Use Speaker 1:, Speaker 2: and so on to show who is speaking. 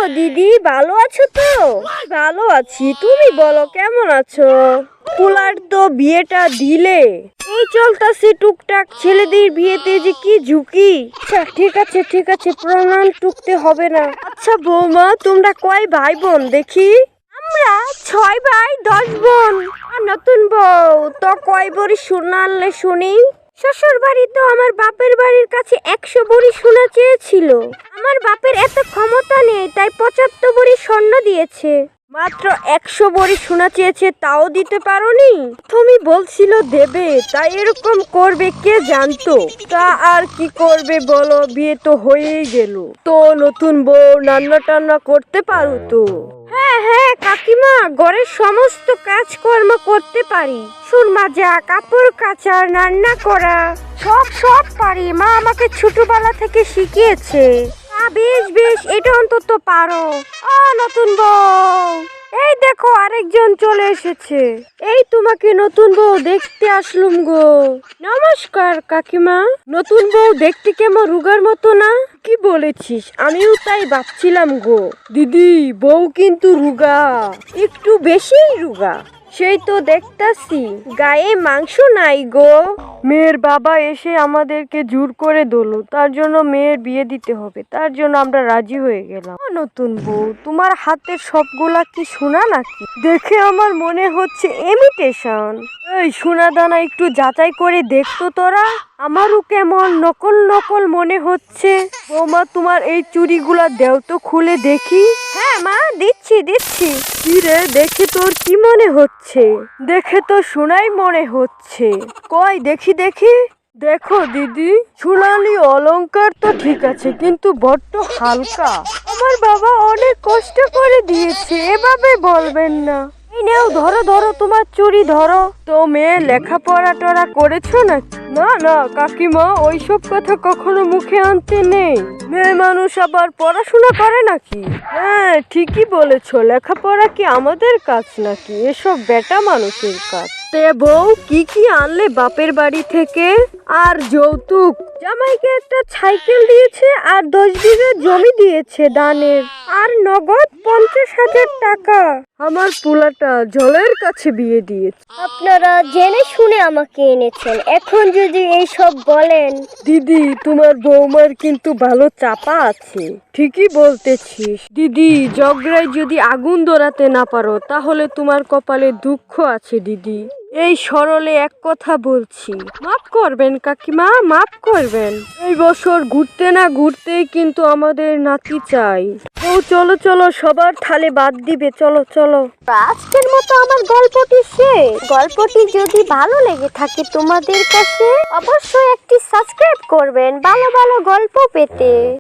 Speaker 1: দিদি, ভালো আছো তো? ভালো আছি, তুমি বলো কেমন আছো? পোলার তো বিয়েটা দিলে, এই চলতাছে টুকটাক। ছেলেদের বিয়েতে যে কি ঝুঁকি। আচ্ছা ঠিক আছে, প্রণাম টুকতে হবে না। আচ্ছা বৌমা, তোমরা কয় ভাই বোন দেখি? আমরা 6 ভাই 10 বোন। আর নতুন বউ তো কয় ভরি সোনা আনলে শুনি? শ্বশুর বাড়ি তো আমার বাপের বাড়ির কাছে 100 ভরি সোনা চেয়েছিল। আমার বাপের এত ক্ষমতা নেই, তাই 75 ভরি স্বর্ণ দিয়েছে। মাত্র 100 ভরি সোনা চেয়েছে, তাও দিতে পারোনি? তুমি বলছিল দেবে, তাই এরকম করবে কে জানতো। তা আর কি করবে বলো, বিয়ে তো হয়েই গেল। তো নতুন বউ রান্না টান্না করতে পারো তো? হ্যাঁ কাকিমা, ঘরের সমস্ত কাজকর্ম করতে পারি। সুরমা যা, কাপড় কাচা, রান্না করা, সব পারি। মা আমাকে ছোটবেলা থেকে শিখিয়েছে। বেশ এটা অন্তত পারো। নতুন বউ, এই দেখো আরেকজন চলে এসেছে। এই তোমাকে নতুন বউ দেখতে আসলুম গো। নমস্কার কাকিমা। নতুন বউ দেখতে কেমন রুগার মতো না? কি বলেছিস, আমিও তাই ভাবছিলাম গো। দিদি, বউ কিন্তু রুগা, একটু বেশিই রুগা। সেই তো দেখতাছি, গায়ে মাংস নাই গো। মেয়ের বাবা এসে আমাদেরকে জোর করে দোলো, তার জন্য মেয়ের বিয়ে দিতে হবে। তার জন্য আমরা রাজি হয়ে গেলাম। নতুন বউ, তোমার হাতের সবগুলা কি সোনা নাকি? দেখে আমার মনে হচ্ছে ইমিটেশন। এই সোনা দানা একটু যাচাই করে দেখতো তোরা। আমারও কেমন নকল মনে হচ্ছে। বৌমা, তোমার এই চুড়িগুলা দেও তো, খুলে দেখি। হ্যাঁ মা, দিচ্ছি। কি রে, দেখে তোর কি মনে হচ্ছে? দেখে তো সোনাই মনে হচ্ছে। কই দেখি। দেখো দিদি, সোনালি অলংকার তো ঠিক আছে, কিন্তু বড্ড হালকা। আমার বাবা অনেক কষ্ট করে দিয়েছে, এভাবে বলবেন না। এই নেও, ধরো তোমার চুড়ি ধরো। তো মেয়ে লেখাপড়া টড়া করেছো নাকি? না কাকিমা, ওইসব কথা কখনো মুখে আনতে নেই। মেয়ে মানুষ আবার পড়াশোনা করে নাকি? হ্যাঁ ঠিকই বলেছো, লেখাপড়া কি আমাদের কাজ নাকি? এসব বেটা মানুষের কাজ। তে বউ, কি আনলে বাপের বাড়ি থেকে? আর যৌতুক? জামাইকে একটা সাইকেল দিয়েছে, আর 10 বিঘা জমি দিয়েছে দানের, আর নগদ 50,000 টাকা। আমার পোলাটা জলের কাছে বিয়ে দিয়েছে।
Speaker 2: আপনারা জেনে শুনে আমাকে এনেছেন, এখন যদি এই সব বলেন।
Speaker 1: দিদি, তোমার বৌমার কিন্তু ভালো চাপা আছে। ঠিকই বলতেছিস দিদি, ঝগড়ায় যদি আগুন ধরাতে না পারো, তাহলে তোমার কপালে দুঃখ আছে দিদি। এই সরলে এক কথা বলছি, মাফ করবেন কাকিমা, মাফ করবেন। এই বছর ঘুরতে না ঘুরতেই কিন্তু আমাদের নাতি চাই। ও চলো, সবার থালে বাদ দিবে, চলো।
Speaker 2: আজকের মতো আমার গল্পটি শেষ। গল্পটি যদি ভালো লেগে থাকে তোমাদের কাছে, অবশ্যই একটি সাবস্ক্রাইব করবেন ভালো গল্প পেতে।